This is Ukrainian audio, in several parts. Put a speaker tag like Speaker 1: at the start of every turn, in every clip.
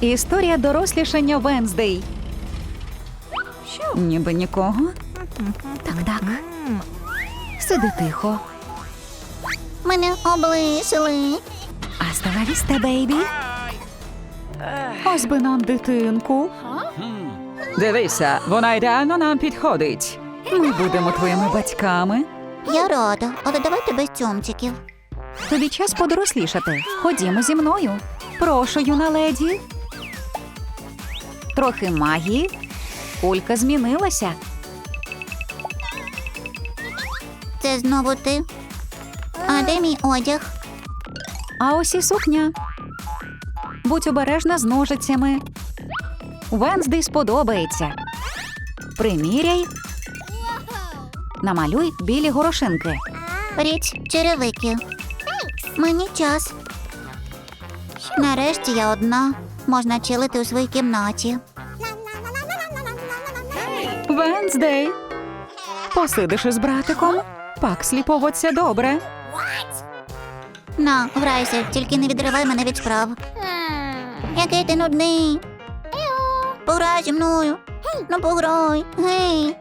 Speaker 1: Історія дорослішання Венздей. Ніби нікого. Так. Сиди тихо.
Speaker 2: Мене облишили.
Speaker 1: Hasta la vista, бейбі. Ось би нам дитинку. Дивися, вона ідеально нам підходить. Ми будемо твоїми батьками.
Speaker 2: Я рада, але давайте без цьомчиків.
Speaker 1: Тобі час подорослішати. Ходімо зі мною. Прошу, юна леді. Трохи магії. Кулька змінилася.
Speaker 2: Це знову ти? А де мій одяг?
Speaker 1: А ось і сукня. Будь обережна з ножицями. Венздей сподобається. Приміряй. Намалюй білі горошинки.
Speaker 2: Річ черевики. Мені час. Нарешті я одна. Можна чилити у своїй кімнаті.
Speaker 1: Венздей. Посидиш із братиком? Пакслі поводься добре.
Speaker 2: На, грайся, тільки не відривай мене від справ. Який ти нудний. Пограй зі мною. Ну пограй. Гей.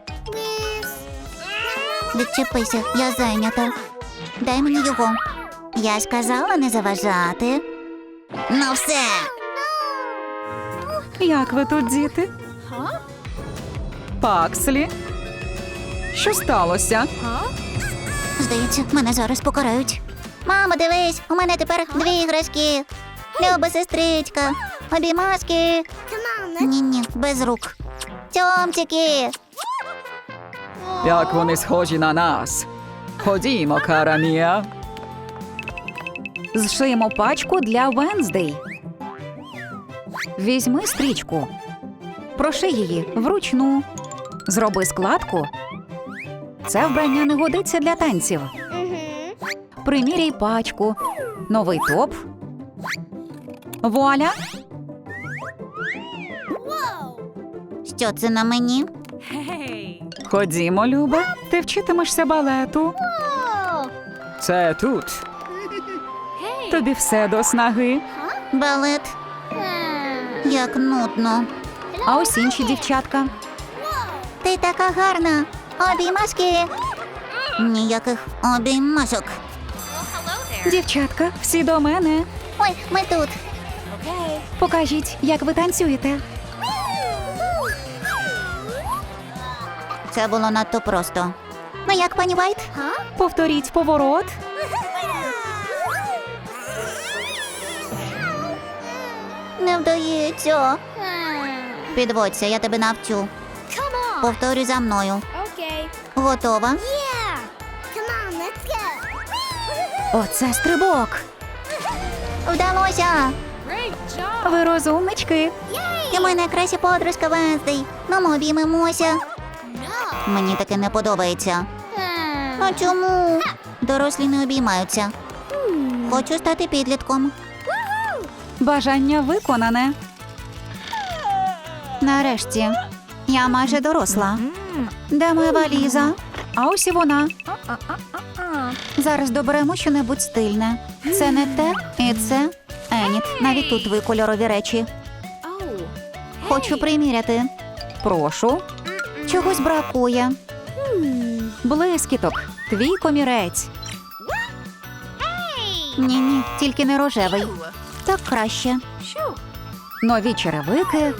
Speaker 2: Відчепися, я зайнята. Дай мені його. Я сказала не заважати. Ну все.
Speaker 1: Як ви тут, діти? Пакслі? Що сталося?
Speaker 2: Здається, мене зараз покарають. Мамо, дивись, у мене тепер 2 іграшки. Люба сестричка. Обіймашки. Ні, без рук. Тьомчики.
Speaker 1: Як вони схожі на нас. Ходімо, кара мія. Зшиємо пачку для Венздей. Візьми стрічку. Проши її вручну. Зроби складку. Це вбрання не годиться для танців. Приміряй пачку. Новий топ. Вуаля!
Speaker 2: Що це на мені?
Speaker 1: Ходімо, Люба. Ти вчитимешся балету. Це тут. Тобі все до снаги.
Speaker 2: Балет. Як нудно.
Speaker 1: А ось інші дівчатка.
Speaker 2: Ти така гарна. Обіймашки. Ніяких обіймашок.
Speaker 1: Дівчатка, всі до мене.
Speaker 2: Ой, ми тут.
Speaker 1: Покажіть, як ви танцюєте.
Speaker 2: Це було надто просто. Ну як, пані Вайт?
Speaker 1: Повторіть поворот.
Speaker 2: Не вдається. Підводься, я тебе навчу. Повторюй за мною. Готова?
Speaker 1: Оце стрибок.
Speaker 2: Вдалося.
Speaker 1: Ви розумнички.
Speaker 2: Ти моя найкраща подружка Венздей. Ну, ми обіймемося. Мені таке не подобається. А чому? Дорослі не обіймаються. Хочу стати підлітком.
Speaker 1: Бажання виконане. Нарешті. Я майже доросла. Де моя валіза? А ось і вона. Зараз доберемо щонебудь стильне. Це не те і це. Еніт, навіть тут ви кольорові речі. Хочу приміряти. Прошу. Чогось бракує. Блискіток. Твій комірець. Ні, тільки не рожевий. Так краще. Нові черевики.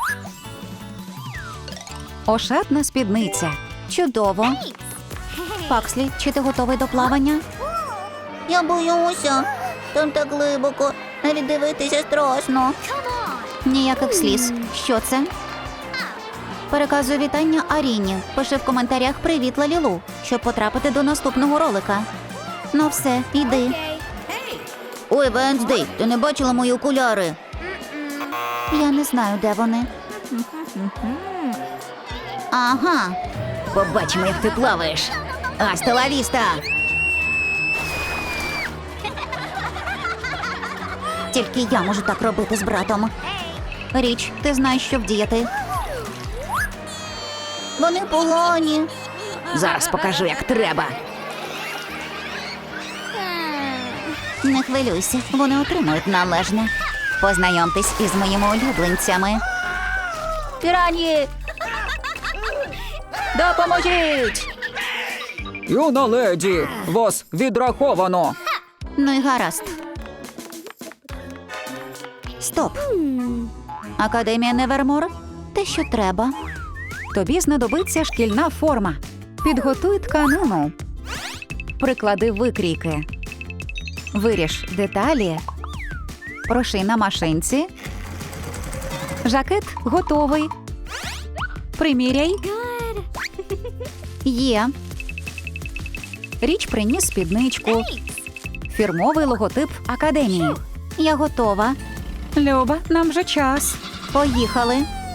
Speaker 1: Ошатна спідниця. Чудово. Пакслі, чи ти готовий до плавання?
Speaker 2: Я боюся. Там так глибоко. Навіть дивитися страшно.
Speaker 1: Ніяких сліз. Що це? Переказую вітання Аріні. Пиши в коментарях «Привіт, Лалілу», щоб потрапити до наступного ролика. Ну все, йди.
Speaker 2: Ой, Венздей, ти не бачила мої окуляри?
Speaker 1: Я не знаю, де вони.
Speaker 2: Ага.
Speaker 1: Побачимо, як ти плаваєш. Аста ла віста!
Speaker 2: Тільки я можу так робити з братом.
Speaker 1: Річ, ти знаєш, що вдіяти.
Speaker 2: Вони погані.
Speaker 1: Зараз покажу, як треба.
Speaker 2: Не хвилюйся, вони отримують належне.
Speaker 1: Познайомтесь із моїми улюбленцями. Пірані! Допоможіть!
Speaker 3: Юна леді, вас відраховано.
Speaker 1: Ну і гаразд. Стоп. Академія Невермор? Те, що треба. Тобі знадобиться шкільна форма. Підготуй тканину. Приклади викрійки. Виріж деталі. Проший на машинці. Жакет готовий. Приміряй. Є. Річ приніс спідничку. Фірмовий логотип академії. Я готова. Люба, нам вже час. Поїхали.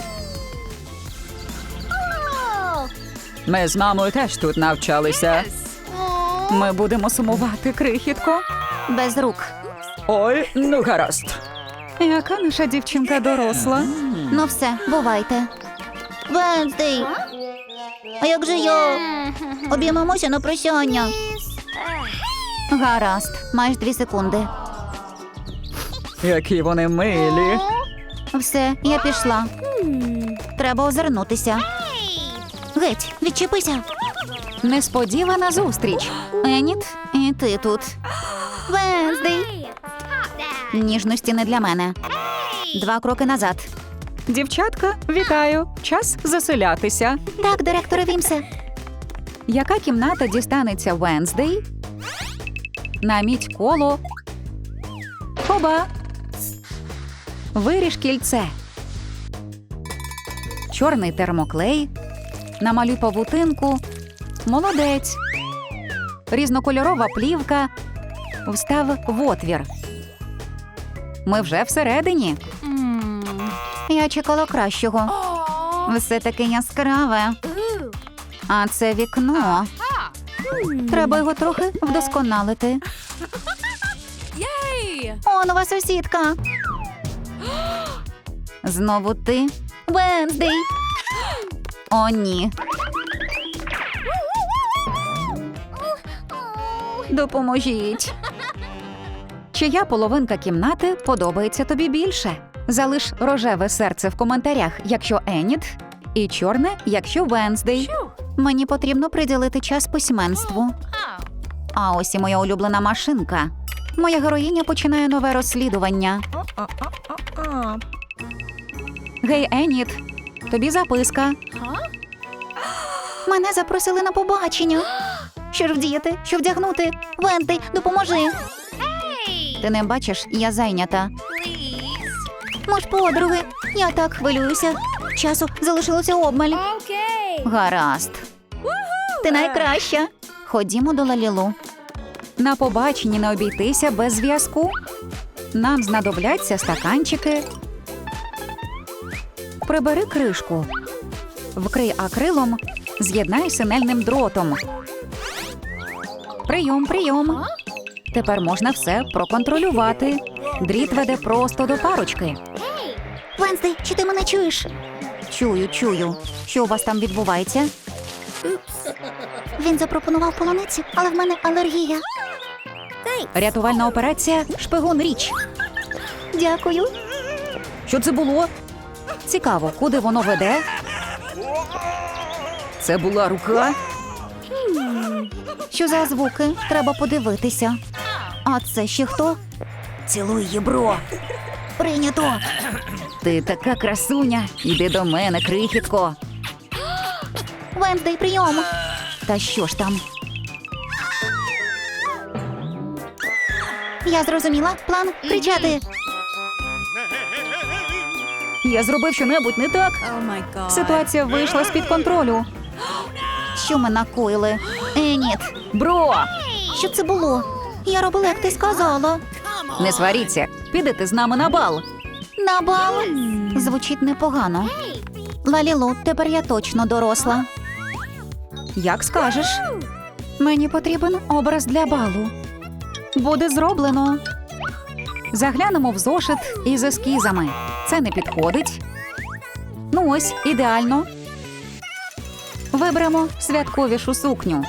Speaker 3: Ми з мамою теж тут навчалися.
Speaker 1: Ми будемо сумувати, крихітко. Без рук.
Speaker 3: Ой, ну гаразд.
Speaker 1: Яка наша дівчинка доросла? Ну все, бувайте.
Speaker 2: Венздей! А як же я? Обіймемося на прощання.
Speaker 1: Гаразд, маєш 2 секунди.
Speaker 3: Які вони милі.
Speaker 1: Все, я пішла. Треба озирнутися.
Speaker 2: Геть, відчепися.
Speaker 1: Несподівана зустріч. Еніт, і ти тут.
Speaker 2: Венздей!
Speaker 1: Ніжності не для мене. 2 кроки назад.
Speaker 3: Дівчатка, вітаю. Час заселятися.
Speaker 2: Так, директоре Вімсе.
Speaker 1: Яка кімната дістанеться Венздей? Наміть коло. Хоба. Виріж кільце. Чорний термоклей. Намалюй павутинку. Молодець. Різнокольорова плівка. Встав в отвір. Ми вже всередині. Я чекала кращого. Все таке яскраве. А це вікно. Треба його трохи вдосконалити. О, нова сусідка. Знову ти? Венздей. О, ні. Допоможіть. Чия половинка кімнати подобається тобі більше? Залиш рожеве серце в коментарях, якщо Еніт, і чорне, якщо Венздей. Мені потрібно приділити час письменству. А ось і моя улюблена машинка. Моя героїня починає нове розслідування. Гей, Еніт, тобі записка. Мене запросили на побачення. Що ж вдіяти? Що вдягнути? Венздей, допоможи. Ти не бачиш, я зайнята. Ми ж подруги. Я так хвилююся. Часу залишилося обмаль. Гаразд. Ти найкраща. Ходімо до Лалілу. На побаченні не обійтися без зв'язку. Нам знадобляться стаканчики. Прибери кришку. Вкрий акрилом, з'єднай синельним дротом. Прийом, прийом. Тепер можна все проконтролювати. Дріт веде просто до парочки.
Speaker 2: Венздей, чи ти мене чуєш?
Speaker 1: Чую, чую. Що у вас там відбувається?
Speaker 2: Він запропонував полуницю, але в мене алергія.
Speaker 1: Рятувальна операція «Шпигун річ».
Speaker 2: Дякую.
Speaker 1: Що це було? Цікаво, куди воно веде?
Speaker 3: Це була рука.
Speaker 1: Що за звуки? Треба подивитися. А це ще хто?
Speaker 2: Цілуй її, бро. Прийнято.
Speaker 1: Ти така красуня. Іди до мене, крихітко.
Speaker 2: Венздей, прийом.
Speaker 1: Та що ж там?
Speaker 2: Я зрозуміла. План кричати.
Speaker 1: Я зробив щонебудь не так? Ситуація вийшла з-під контролю. Що ми накоїли?
Speaker 2: Еніт,
Speaker 1: Бро!
Speaker 2: що це було? Я робила, як ти сказала.
Speaker 1: Не сваріться. Підете з нами на бал.
Speaker 2: На бал.
Speaker 1: Звучить непогано. Лалілу, тепер я точно доросла. Як скажеш. Мені потрібен образ для балу. Буде зроблено. Заглянемо в зошит із ескізами. Це не підходить. Ну ось, ідеально. Виберемо святковішу сукню.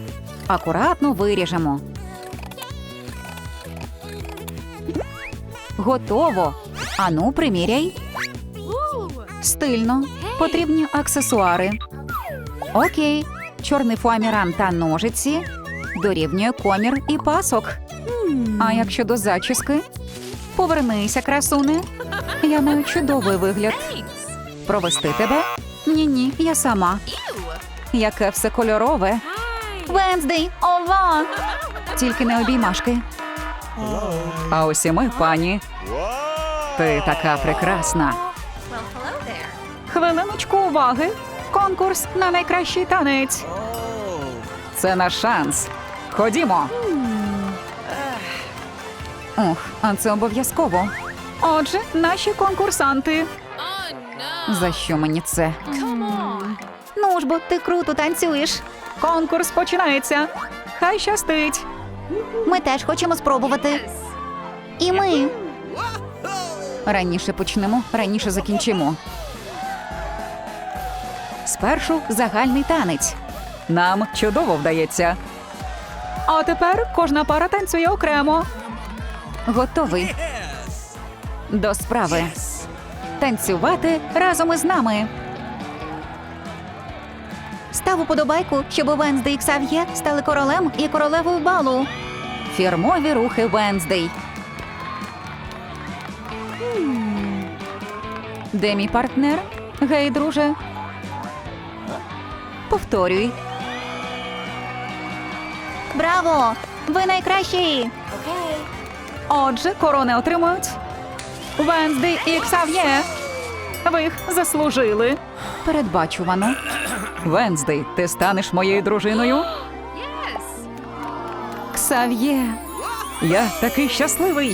Speaker 1: Акуратно виріжемо. Готово. Ану, приміряй. Стильно. Потрібні аксесуари. Окей. Чорний фоаміран та ножиці. Дорівнює комір і пасок. А як щодо зачіски? Повернися, красуне. Я маю чудовий вигляд. Провести тебе? Ні-ні, я сама. Яке все кольорове. Венздей, ова! Тільки не обіймашки.
Speaker 3: А ось і ми, пані. Ти така прекрасна.
Speaker 1: Хвилиночку уваги. Конкурс на найкращий танець.
Speaker 3: Це наш шанс. Ходімо.
Speaker 1: Ох, а це обов'язково. Отже, наші конкурсанти. За що мені це? Ну ж бо, ти круто танцюєш.
Speaker 3: Конкурс починається. Хай щастить.
Speaker 2: Ми теж хочемо спробувати. І ми.
Speaker 1: Раніше почнемо, раніше закінчимо. Спершу загальний танець.
Speaker 3: Нам чудово вдається.
Speaker 1: А тепер кожна пара танцює окремо. Готовий. До справи. Танцювати разом із нами. Став уподобайку, щоб Венздей і Ксав'є стали королем і королевою балу. Фірмові рухи Венздей. Де мій партнер? Гей, друже. Повторюй.
Speaker 2: Браво! Ви найкращі!
Speaker 1: Отже, корони отримують Венздей і Ксав'є. Ви їх заслужили. Передбачувано.
Speaker 3: Венздей, ти станеш моєю дружиною?
Speaker 1: Ксав'є.
Speaker 3: Я такий щасливий.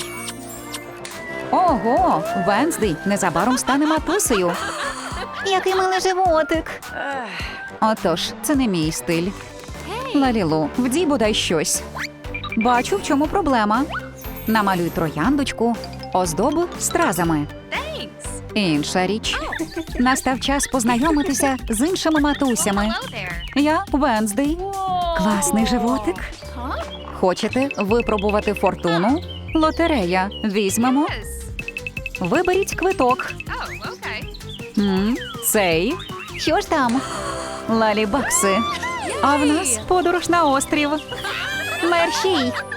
Speaker 1: Ого, Венздей незабаром стане матусею.
Speaker 2: Який милий животик!
Speaker 1: Отож, це не мій стиль. Лалілу, вдій бодай щось. Бачу, в чому проблема. Намалюй трояндочку, оздоби стразами. Інша річ. Настав час познайомитися з іншими матусями. Я Венздей. Класний животик. Хочете випробувати фортуну? Лотерея. Візьмемо. Виберіть квиток. Цей.
Speaker 2: Що ж там?
Speaker 1: Лалібакси. А в нас подорож на острів.
Speaker 2: Мерщій!